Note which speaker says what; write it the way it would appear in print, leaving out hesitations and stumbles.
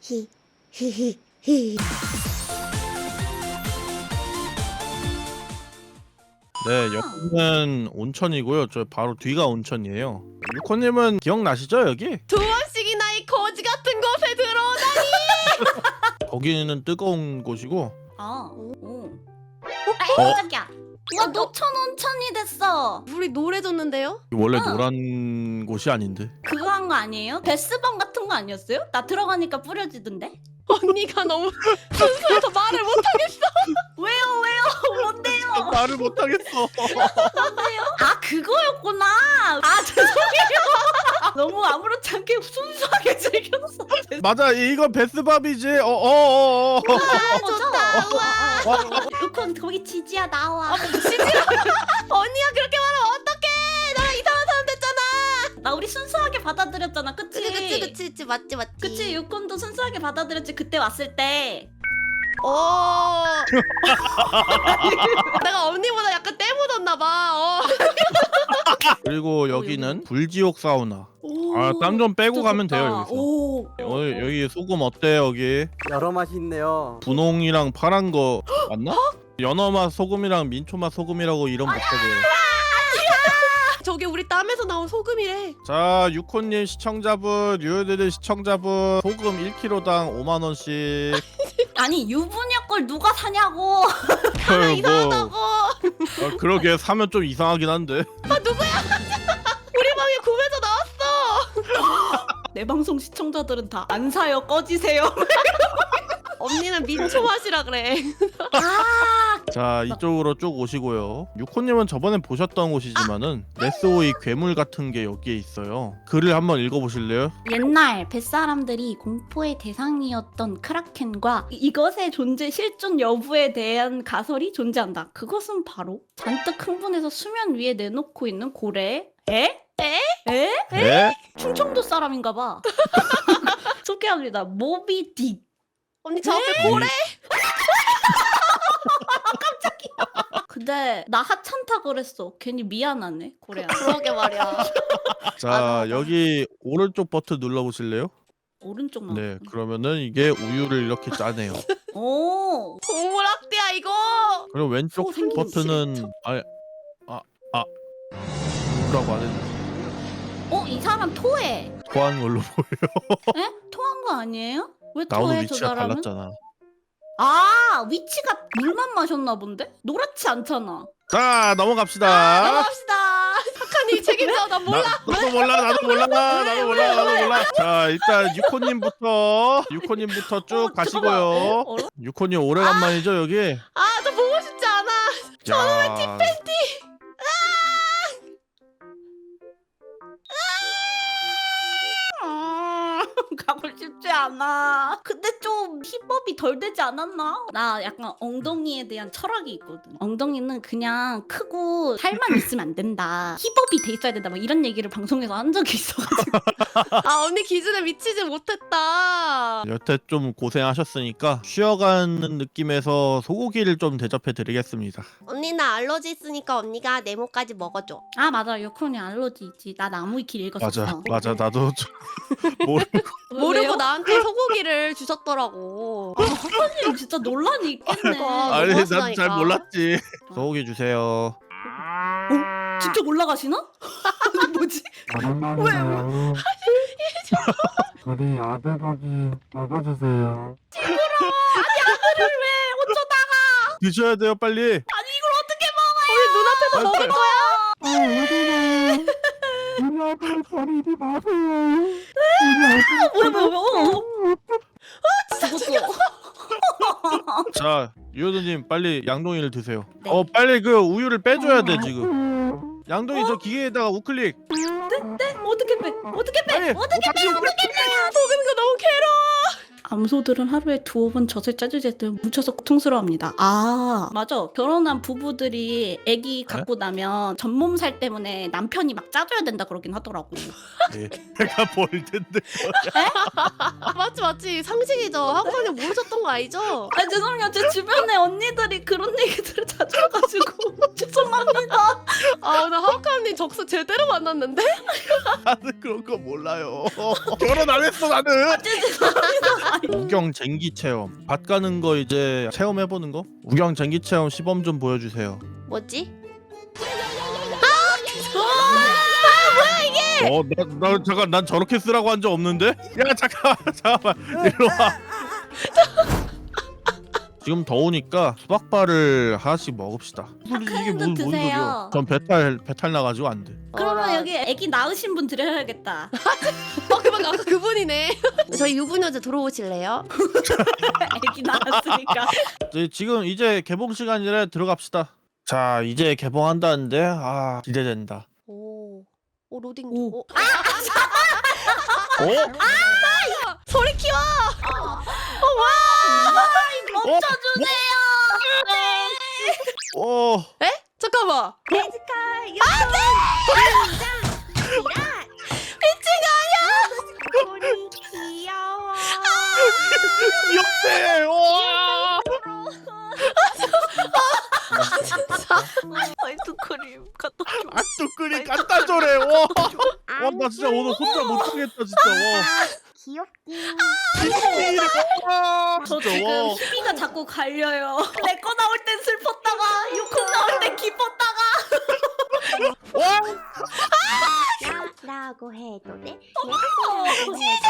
Speaker 1: 히히히히.
Speaker 2: 네, 여기는 온천이고요. 저 바로 뒤가 온천이에요. 유코님은 기억나시죠 여기?
Speaker 1: 두 번씩이나 이 거지 같은 곳에 들어오다니.
Speaker 2: 거기는 뜨거운 곳이고.
Speaker 3: 오.
Speaker 2: 어?
Speaker 3: 와, 노천 온천이 됐어.
Speaker 1: 물이 노래졌는데요?
Speaker 2: 원래 노란 곳이 아닌데.
Speaker 3: 그거 한 거 아니에요? 베스밤 같은 거 아니었어요? 나 들어가니까 뿌려지던데?
Speaker 1: 언니가 너무 순수해서 말을 못하겠어.
Speaker 3: 왜요? 뭔데요?
Speaker 2: 말을 못하겠어.
Speaker 3: 아, 그거였구나. 아, 죄송해요. 너무 아무렇지 않게 순수하게 즐겼어.
Speaker 2: 맞아, 이거 베스밥이지.
Speaker 3: 아,
Speaker 1: 좋다.
Speaker 3: 우와. 루콘 거기 지지야 나와.
Speaker 1: 언니가 그렇게 말하면 어떡해? 나랑 이상한 사람 됐잖아.
Speaker 3: 나 우리 순수하게 받아들였잖아, 그치?
Speaker 1: 그치 맞지.
Speaker 3: 그치, 유콘도 순수하게 받아들였지, 그때 왔을 때.
Speaker 1: 내가 언니보다 약간 때 묻었나봐.
Speaker 2: 그리고 여기는 불지옥 사우나.
Speaker 3: 오,
Speaker 2: 아, 땀 좀 빼고
Speaker 3: 진짜
Speaker 2: 가면
Speaker 3: 좋다.
Speaker 2: 돼요 여기서.
Speaker 3: 오.
Speaker 2: 오늘 여기 소금 어때 여기?
Speaker 4: 여러 맛이 있네요.
Speaker 2: 분홍이랑 파란 거 맞나? 연어맛 소금이랑 민초맛 소금이라고 이름 바꿔줘요.
Speaker 1: 저게 우리 땀에서 나온 소금이래.
Speaker 2: 자, 유코님 시청자분, 유효드들 시청자분, 소금 1kg당 5만 원씩.
Speaker 3: 아니, 유부녀 걸 누가 사냐고.
Speaker 1: 이상하다고.
Speaker 2: 그러게 사면 좀 이상하긴 한데.
Speaker 1: 우리 방에 구매자 나왔어.
Speaker 3: 내 방송 시청자들은 다 안 사요, 꺼지세요.
Speaker 1: 언니는 민초 맛이라 그래.
Speaker 3: 아,
Speaker 2: 자, 이쪽으로 쭉 오시고요. 유코님은 저번에 보셨던 곳이지만은 레스오이 괴물 같은 게 여기에 있어요. 글을 한번 읽어보실래요?
Speaker 3: 옛날 뱃사람들이 공포의 대상이었던 크라켄과 이것의 존재 실존 여부에 대한 가설이 존재한다. 그것은 바로 잔뜩 흥분해서 수면 위에 내놓고 있는 고래. 에?
Speaker 2: 네?
Speaker 3: 충청도 사람인가 봐. 소개합니다. 모비딕.
Speaker 1: 언니 저 앞에 고래.
Speaker 3: 근데 나 하찮다 그랬어. 괜히 미안하네, 고래야.
Speaker 1: 그러게 말이야.
Speaker 2: 자,
Speaker 1: 맞아.
Speaker 2: 여기 오른쪽 버튼 눌러보실래요?
Speaker 3: 오른쪽만.
Speaker 2: 네, 그러면은 이게 우유를 이렇게 짜네요.
Speaker 3: 오.
Speaker 1: 동물학대야 이거.
Speaker 2: 그리고 왼쪽
Speaker 3: 소 생긴
Speaker 2: 버튼은 뭐라고 안 했는데
Speaker 3: 이 사람 토해.
Speaker 2: 토한 걸로 보여.
Speaker 3: 에? 토한 거 아니에요? 왜
Speaker 2: 나오는
Speaker 3: 토해, 저
Speaker 2: 위치가
Speaker 3: 사람은?
Speaker 2: 달랐잖아.
Speaker 3: 아, 위치가 물만 마셨나 본데? 노랗지 않잖아.
Speaker 2: 자, 넘어갑시다.
Speaker 3: 넘어갑시다.
Speaker 1: 착한이 책임져. 나 몰라.
Speaker 2: 나도 몰라. 자, 일단 유코님부터 쭉 가시고요. 유코님 오래간만이죠 여기.
Speaker 1: 아 저 보고 싶지 않아.
Speaker 2: 저는 티팬티.
Speaker 3: 가고 싶지 않아. 근데 좀 힙업이 덜 되지 않았나? 나 약간 엉덩이에 대한 철학이 있거든. 엉덩이는 그냥 크고 살만 있으면 안 된다. 힙업이 돼 있어야 된다. 막 이런 얘기를 방송에서 한 적이 있어가지고.
Speaker 1: 아 언니 기준에 미치지 못했다.
Speaker 2: 여태 좀 고생하셨으니까 쉬어가는 느낌에서 소고기를 좀 대접해드리겠습니다.
Speaker 1: 언니 나 알러지 있으니까 언니가 네모까지 먹어줘.
Speaker 3: 아, 맞아. 요크론이 알러지 있지. 나 나무위키 읽었었어.
Speaker 2: 맞아 나도 좀
Speaker 1: 모르고
Speaker 3: 왜요?
Speaker 1: 나한테 소고기를 주셨더라고.
Speaker 3: 학원님 진짜 논란이 있겠네.
Speaker 2: 아니 난 잘
Speaker 1: 너무하시다니까.
Speaker 2: 몰랐지. 소고기 주세요.
Speaker 3: 직접 올라가시나? 뭐지?
Speaker 4: 오랜만이네요. 우리 아들고기 먹어주세요.
Speaker 2: 드셔야 돼요 빨리.
Speaker 1: 우리 눈앞에서 먹을 거야.
Speaker 4: 우리 아들 버리지 마세요. 우리 아들
Speaker 3: 뭐야? 죽었어.
Speaker 2: 자 유효도님 빨리 양동이를 드세요.
Speaker 3: 네.
Speaker 2: 빨리 그 우유를 빼줘야 돼 지금. 양동이 저 기계에다가 우클릭.
Speaker 3: 어떻게 빼? 어떻게 빼?
Speaker 2: 빨리.
Speaker 3: 어떻게
Speaker 1: 먹는 거 너무 괴로워.
Speaker 3: 암소들은 하루에 2번 젖을 짜주지 때 뭉쳐서 고통스러워합니다. 아, 맞아. 결혼한 부부들이 아기 갖고 나면 전몸살 때문에 남편이 막 짜줘야 된다 그러긴 하더라고.
Speaker 2: 내가 볼 텐데.
Speaker 1: 맞지 상식이죠. 학원이 모르셨던 거 아니죠?
Speaker 3: 아, 죄송해요. 제 주변에 언니들이 그런 얘기들을 자주 해가지고 죄송합니다.
Speaker 1: 나 하우카님 적수 제대로 만났는데?
Speaker 2: 나는 그런 거 몰라요. 결혼 안 했어 나는. 우경 쟁기 체험. 밭 가는 거 이제 체험해보는 거? 우경 쟁기 체험 시범 좀 보여주세요.
Speaker 1: 뭐지?
Speaker 2: 나 잠깐 난 저렇게 쓰라고 한 적 없는데? 야 잠깐만 이리 와. 지금 더우니까 수박바를 하나씩 먹읍시다. 이게 무슨
Speaker 3: 드세요.
Speaker 2: 소리야? 전 배탈 나가지고 안 돼.
Speaker 3: 그러면 여기 애기 낳으신 분 드려야겠다.
Speaker 1: 그만 아까 그분이네. 저희 유부녀제 들어오실래요?
Speaker 3: 애기 낳았으니까.
Speaker 2: 지금 이제 개봉 시간이라 들어갑시다. 자 이제 개봉한다는데 기대된다.
Speaker 1: 오 로딩.
Speaker 3: 오.
Speaker 2: 어?
Speaker 1: 소리 키워.
Speaker 3: 멈춰주세요.
Speaker 1: 에? 잠깐만.
Speaker 3: 귀여워.
Speaker 2: 귀엽네. 와.
Speaker 1: 아이스크림 갖다 줘.
Speaker 2: 뚜꾸리 갖다 줘래. 와. 나 진짜 오늘 혼자 못 하겠다 진짜. 와.
Speaker 5: 귀엽긴.
Speaker 3: 저
Speaker 2: 진짜,
Speaker 3: 지금
Speaker 2: 와.
Speaker 3: 희비가 자꾸 갈려요. 내 거 나올 땐 슬펐다가 유콘 나올 땐 기뻤다가.
Speaker 2: 와.
Speaker 5: 라고 해도 돼?
Speaker 3: 어,
Speaker 5: 예뻐.